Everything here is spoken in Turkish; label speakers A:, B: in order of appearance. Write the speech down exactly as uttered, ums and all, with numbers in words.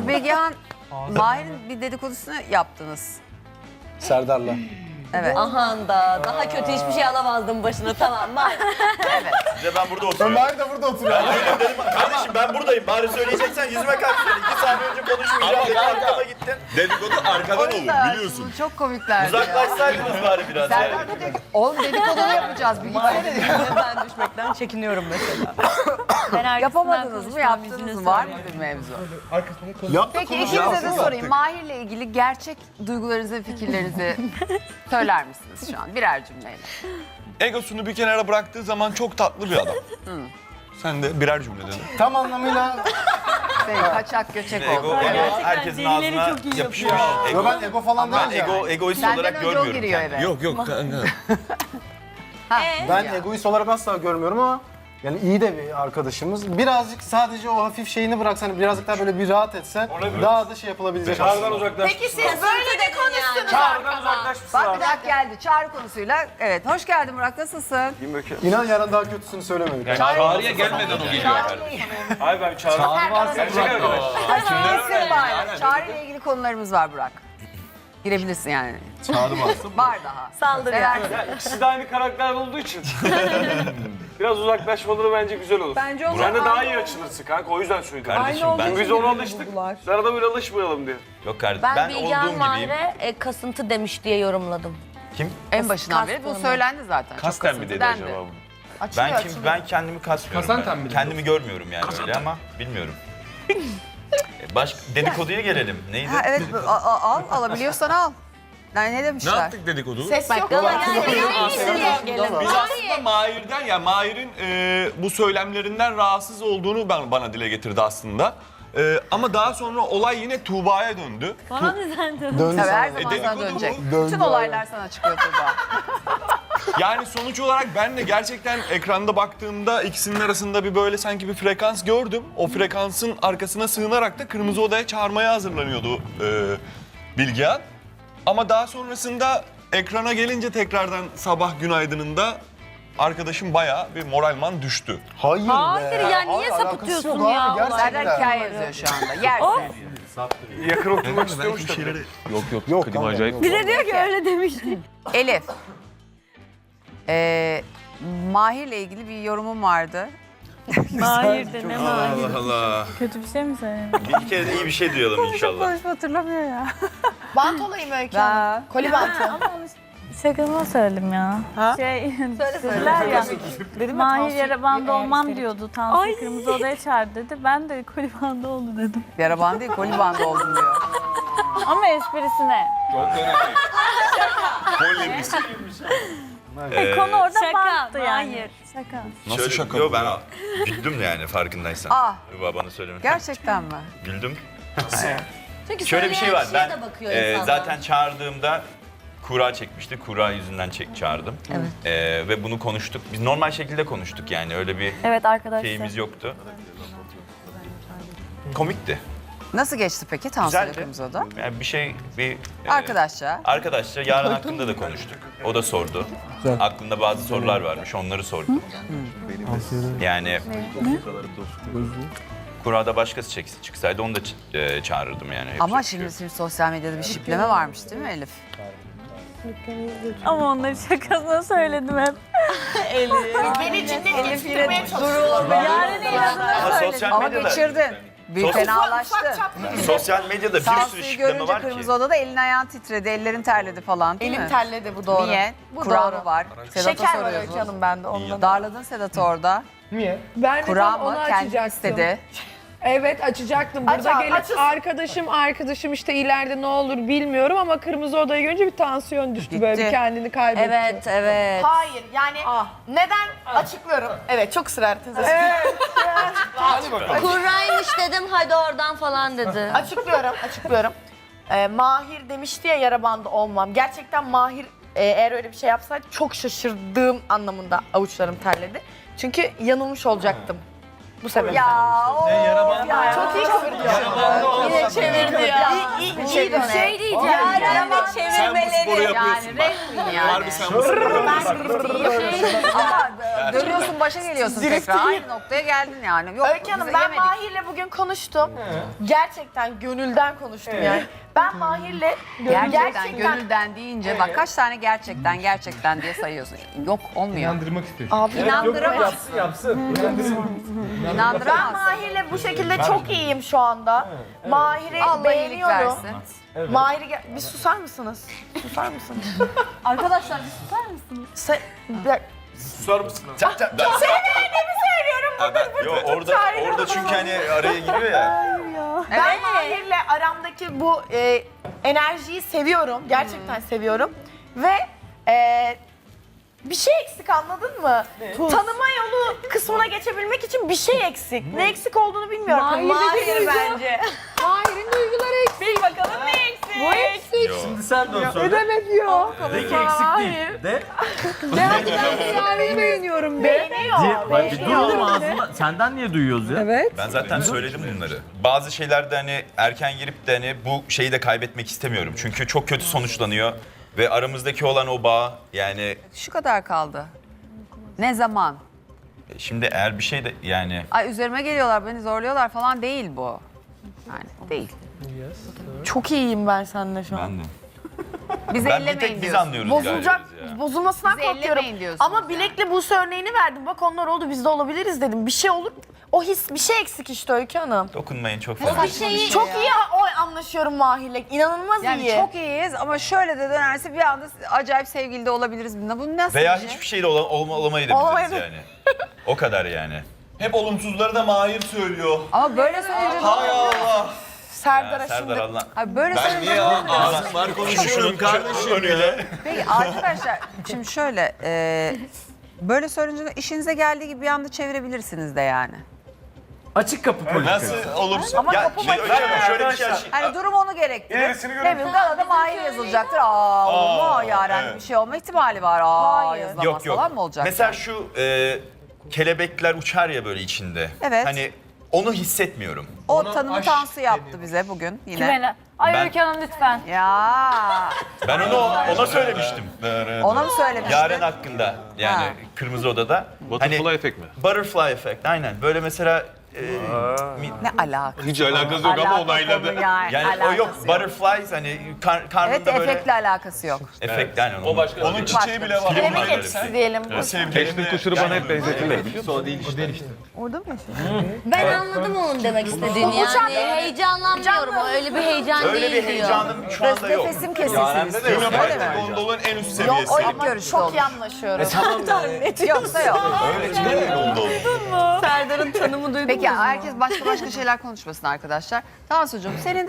A: Şimdi Begihan, Mahir'in bir dedikodusunu yaptınız.
B: Serdar'la.
A: Evet.
C: Ahan da daha kötü hiçbir şey alamazdım başına, tamam mı?
A: Evet.
D: Size ben burada oturuyorum.
B: Mahir de burada oturuyor.
D: Ben dedim, kardeşim ben buradayım. Bari söyleyeceksen yüzüme karşı söyle. İki saniye önce konuşmayacağım dedim, arkama gittin.
E: Dedikodu arkadan olur biliyorsun.
A: Aslında çok komiklerdi ya.
D: Uzaklaşsaydınız bari biraz.
A: Serdar da diyor ki, oğlum dedikodunu yapacağız bir gitsene diyor.
C: Ben düşmekten çekiniyorum mesela.
A: Yapamadınız mı, yaptınız mı? Var mı bir mevzu? Peki ikinize de sorayım. Mahir'le ilgili gerçek duygularınızı ve fikirlerinizi söyler misiniz şu an birer cümleyle?
E: Egosunu bir kenara bıraktığı zaman çok tatlı bir adam. Sen de birer cümle dedin.
B: Tam anlamıyla.
A: Şey, kaçak göçek
D: Ego,
A: oldu.
D: ego herkesin ağzına yapışmış.
B: Yo ben ego falan
D: Ben
B: değilim.
D: ego, egoist
A: Senden
D: olarak
A: önce o
D: görmüyorum
A: giriyor
D: kendimi.
A: eve.
E: Yok yok kanka.
A: Ha,
B: Ben
A: ya.
B: egoist olarak asla görmüyorum ama yani iyi de bir arkadaşımız. Birazcık sadece o hafif şeyini bıraksan, birazcık daha böyle bir rahat etsen daha da şey yapılabilecek aslında.
F: Peki siz böyle de konuştunuz arkadaşlar.
A: Bak bir dakika geldi. Çağrı konusuyla. Evet, hoş geldin Murat, nasılsın?
B: İnan yarın daha kötüsünü söylemedik.
G: Çağrı'ya gelmeden o geliyor.
F: Hayır ben çağırdım.
G: Çağrı varsa
F: Gerçek arkadaş.
A: Açıkçası var. Çağrı ile ilgili konularımız var Burak. Girebilirsin yani.
E: Çağrı varsa
A: Var daha.
C: Saldır yani.
A: Seversin.
F: Ya ikisi de aynı karakter olduğu için. Biraz uzaklaşmaları bence güzel olur.
H: Bence o
F: Sen de
H: zaman
F: daha iyi açılırsın kanka, o yüzden söyledim.
D: Kardeşim
H: aynı
D: ben...
H: olduğu
F: Biz ona alıştık. Sana da böyle alışmayalım diye.
D: Yok kardeşim
C: Ben,
D: ben,
C: ben
D: olduğum
C: Bilgehan
D: gibiyim.
C: Mahir'e e, kasıntı demiş diye yorumladım.
D: Kim?
A: En başından beri bu
C: Kastım.
A: söylendi zaten. Çok
G: Kasten mi
A: kasıntı
G: dedi
A: dendi.
G: acaba bunu?
A: Açılıyor,
D: Ben kim?
A: açılıyor.
D: Ben kendimi kasmıyorum.
G: Kasanten
D: ben.
G: mi dedi?
D: Kendimi görmüyorum yani öyle ama bilmiyorum. E, Baş dedikoduya gelelim. Neydi?
A: Ha, evet, a- a- al, alabiliyorsan al. Yani ne
E: ne
A: demişler?
E: yaptık dedikodu?
F: Ses
C: Bak gala geldi.
E: Biz aslında Mahir'den, ya Mahir'in e, bu söylemlerinden rahatsız olduğunu ben, bana dile getirdi aslında. E, ama daha sonra olay yine Tuğba'ya döndü.
C: Bana ne sandın?
B: Döndü
A: Tabii her
B: sana.
A: zaman sana
E: dedikodu
A: dönecek.
B: bu. Döndü
A: Bütün
B: abi.
A: olaylar sana çıkıyor Tuğba.
E: Yani sonuç olarak ben de gerçekten ekranda baktığımda ikisinin arasında bir böyle sanki bir frekans gördüm. O frekansın arkasına sığınarak da Kırmızı Oda'ya çağırmaya hazırlanıyordu e, Bilgehan. Ama daha sonrasında ekrana gelince tekrardan sabah günaydınında arkadaşım bayağı bir moralman düştü.
B: Hayır,
C: Hayır
B: be.
C: ya, niye
B: alakası
C: sapıtıyorsun
B: yok abi,
C: ya?
B: Gerçekten.
A: Serdar hikaye yazıyor şu anda. Yersin.
F: Yakın oturmak istiyormuş tabii.
G: Yok yok.
B: Yok
G: klima
B: kanka,
G: acayip.
B: yok.
C: Bir de diyor ki öyle demişti.
A: Elif. Ee, Mahir'le ilgili bir yorumum vardı.
I: Mahir de ne Mahir?
D: Allah Allah.
I: Kötü bir şey mi söyledin?
D: Bir kere de iyi bir şey duyalım inşallah.
I: Konuşma hatırlamıyor ya.
F: Bant olayım Öykü
A: Ben...
F: Koli bantı.
I: Ama onu şakama söyledim ya.
A: Ha?
I: Şey,
A: Söyle söyle.
I: dediler ya,
A: Dedim
I: Mahir yara bandı olmam diyordu. Tansu Kırmızı Oda'ya çağır dedi. Ben de koli bandı oldu dedim.
A: Yara bandı değil, koli bandı oldum diyor.
I: Ama esprisine.
D: Ee,
I: Konu orada
C: şaka,
I: banttı yani.
C: Mahir.
I: Şaka.
E: Nasıl
D: şöyle-
E: şaka
D: Yo,
E: bu
D: ben
E: ya?
D: güldüm yani farkındaysan.
A: Ah.
D: Tuğba bana söylemedi.
A: Gerçekten mi?
D: Güldüm.
C: Çünkü
D: Şöyle bir şey var.
C: söyleyen
D: Ben
C: kişiye de bakıyor
D: e,
C: insanlar.
D: zaten çağırdığımda kura çekmişti. Kura yüzünden çek, çağırdım.
C: Evet.
D: E, ve bunu konuştuk. Biz normal şekilde konuştuk yani. Öyle bir
I: Evet arkadaşlar.
D: şeyimiz yoktu. Komikti.
A: Nasıl geçti peki Tansu ile
D: Güzeldi.
A: Kırmızı Oda?
D: Yani bir şey bir e,
A: Arkadaşça.
D: Arkadaşça yarın hakkında da konuştuk. O da sordu. Aklında bazı sorular varmış. Onları sordu. Yani kurada başkası çek- çıksaydı onu da ç- e, çağırırdım yani. Yapacak
A: Ama
D: bir şey
A: şimdi,
D: yok.
A: şimdi sosyal medyada bir şipleme varmış değil mi Elif?
I: Ama onları şakasına söyledim hep.
F: Beni ciddiyetleştirmeye çalışıyor.
I: Yarın inadına
D: Ama
I: söyledim.
D: sosyal
A: Ama
D: medyada,
A: geçirdin. Bir
D: Sosyal-
A: fenalaştı.
D: sosyal medyada bir sürü
A: Tansu'yu
D: şikleme
A: görünce
D: var
A: Kırmızı
D: ki.
A: Oda'da elin ayağın titredi, ellerin terledi falan değil mi?
F: Elim terledi, bu doğru.
A: Niye?
F: Bu
A: Kura
F: doğru.
A: mı var? Sedat'a
F: Şeker var Öykü
A: soruyorsun.
F: Hanım bende ondan.
A: Darladın Sedat'ı orada.
B: Niye?
H: ben de
A: Kura
H: tam
A: mı?
H: onu
A: Kendi
H: açacaktım.
A: istedi.
H: Evet açacaktım. Burada
F: Aç abi,
H: gelip
F: açılsın.
H: arkadaşım arkadaşım işte ileride ne olur bilmiyorum ama Kırmızı Oda'yı görünce bir tansiyon düştü, böyle
A: Gitti.
H: bir kendini kaybetti.
C: Evet, evet.
F: Hayır yani neden açıklıyorum. Evet çok ısrar teyze.
C: Kurraymış dedim, hadi oradan falan dedi.
F: Açıklıyorum, açıklıyorum. Ee, Mahir demişti ya yara bandı olmam. Gerçekten Mahir e, eğer öyle bir şey yapsaydı çok şaşırdığım anlamında avuçlarım terledi. Çünkü yanılmış olacaktım. Bu sebeple.
A: Ya o
F: Ya, çok iyi kıvırıyor. Yine çevirdi ya. İyi, iyi, iyi dönem.
C: Şey diyeceğim,
A: Yani
C: yani
A: ama
E: Sen bu sporu
C: çevirmeleri.
E: yapıyorsun
A: yani
E: bak.
A: resmin yani.
E: Harbi sen bu sporu yapıyorsun.
A: Ama dönüyorsun başa geliyorsun tekrar. Aynı noktaya geldin yani. Yok,
F: Öykü Hanım
A: biz
F: ben
A: yemedik.
F: Mahir'le bugün konuştum. Gerçekten gönülden konuştum yani. Ben Mahir'le
A: Gerçekten, gönülden deyince bak kaç tane gerçekten gerçekten diye sayıyorsun. Yok olmuyor.
B: İnandırmak istiyorsun.
F: Abi
A: İnandıramaz.
B: Yapsın yapsın.
F: ben
A: İnandıramaz.
F: Mahir'le bu şekilde çok iyiyim şu anda. Mahir'i
A: Allah iyilik
F: beğeniyorum.
A: versin.
F: Mahir'i ge- bir susar mısınız? Susar mısınız?
I: Arkadaşlar bir susar mısınız?
F: Se bir-
E: Susar mısın? Çak çak.
D: Yo, orada orada çünkü hani araya giriyor ya.
F: Ben Mahir'le aramdaki bu e, enerjiyi seviyorum. Gerçekten seviyorum. Ve e, bir şey eksik, anladın mı? Tanıma yolu kısmına geçebilmek için bir şey eksik. Ne eksik olduğunu bilmiyorum.
H: Mahir'deki
F: Mahir
H: duygu-
F: bence.
H: Mahir'in duyguları eksik.
F: Bil bakalım ne eksik?
H: Bu eksik.
G: Şimdi sen de onu
H: Ne
G: söyle.
H: demek yok?
G: De ki eksik değil. De.
H: Ne yapayım ben Mahir'i beğeniyorum be.
F: Beğeniyor.
G: Diye, bak bir
F: beğeniyor.
G: duyalım ağzıma. Senden niye duyuyoruz ya?
H: Evet.
D: Ben zaten söyledim bunları. Bazı şeylerde hani erken girip de hani bu şeyi de kaybetmek istemiyorum. Çünkü çok kötü sonuçlanıyor ve aramızdaki olan o bağ yani
A: Şu kadar kaldı. Ne zaman?
D: e, şimdi eğer bir şey de yani
A: Ay üzerime geliyorlar, beni zorluyorlar falan değil bu. Yani değil.
F: Çok iyiyim ben seninle şu an.
D: ben de.
A: Bizi
D: Ben bir
A: ellemeyin
D: tek biz
A: diyorsun.
D: anlıyoruz
F: Bozulacak,
D: galiba ya.
F: bozulmasından
A: Bizi
F: korkuyorum.
A: ellemeyin diyorsunuz
F: Ama
A: yani.
F: Bilek'le Buse örneğini verdim. Bak onlar oldu, biz de olabiliriz dedim. Bir şey olur, o his, bir şey eksik işte Öykü Hanım.
D: Dokunmayın çok fazla.
F: Bir şeyi çok iyi o anlaşıyorum Mahir'le. İnanılmaz
A: Yani
F: iyi.
A: çok iyiyiz ama şöyle de dönerse bir anda acayip sevgili de olabiliriz bununla. Bu nasıl
D: Veya
A: bir şey?
D: hiçbir şeyle ola, olma, olamayı da biliriz
F: Olamayı-
D: yani. O kadar yani.
E: Hep olumsuzları da Mahir söylüyor.
A: Ama böyle söyleyince...
E: Hay Allah.
F: Serdar'a
D: Ya, Serdar
F: şimdi.
D: Allah.
A: Hayır, böyle
E: Ben
A: söyleyince...
E: niye
A: ne oluyor?
E: ağzım var konuşuyorum kardeşim ya.
A: Peki arkadaşlar şimdi şöyle... E, böyle söyleyince işinize geldiği gibi bir anda çevirebilirsiniz de yani.
G: Açık kapı politikası.
E: Nasıl olursa.
A: Ama
D: Ya
A: kapı
D: şey,
A: başı-
D: şöyle, şöyle bir şey.
A: Hani durum onu gerektirir.
E: İlerisini
A: Ne bileyim galada Mahir yazılacaktır. Aa, olur mu Yaren
E: evet.
A: bir şey olma ihtimali var. Aa
F: Hayır.
A: yazılamaz
D: Yok yok.
A: falan mı olacak?
D: Mesela şu e, kelebekler uçar ya böyle içinde.
A: Evet.
D: Hani onu hissetmiyorum.
A: O tanımı Tansu yaptı bize bugün yine.
I: Beni. Ay
D: Ben-
I: Öykü Hanım lütfen.
A: Ya
D: Ben onu ona söylemiştim.
A: ona mı söylemiştin?
D: Yaren hakkında yani
A: Ha.
D: Kırmızı Oda'da.
E: Butterfly
D: hani,
E: efekt mi?
D: Butterfly effect aynen. Böyle mesela e, mi-
A: Ne alaka?
E: Hiç alakası yok ama
A: Alakası
E: onayladı.
A: konu Yani,
D: yani o
A: alakası
D: yok. Butterflies hani kar,
A: Evet
D: karnında böyle
A: efektle alakası yok.
D: efekt yani.
E: O başka. Onun çiçeği bile var.
F: Kelebek
D: Onlar
F: etkisi diyelim.
E: Sevgili kuşları bana hep benzetirler.
B: O değil işte.
A: Orada mı yaşıyor?
C: Ben anladım onun demek istediğini. Yani heyecanlanmıyorum. O öyle bir heyecan
D: Öyle
C: değil
D: bir
C: diyor.
D: heyecanım şu anda yok.
A: Nefesim kesilsin istiyorsun öyle mi?
E: Gondolun en üst
F: Yok
E: seviyesi.
F: o
A: İlk
F: ama
A: görüşte
F: çok
A: olur.
F: iyi anlaşıyoruz.
A: Yoksa yok.
E: Öyle çıkıyor gondol.
C: Serdar'ın tanımı duydun
A: Peki herkes başka başka şeyler konuşmasın arkadaşlar. Tansucuğum senin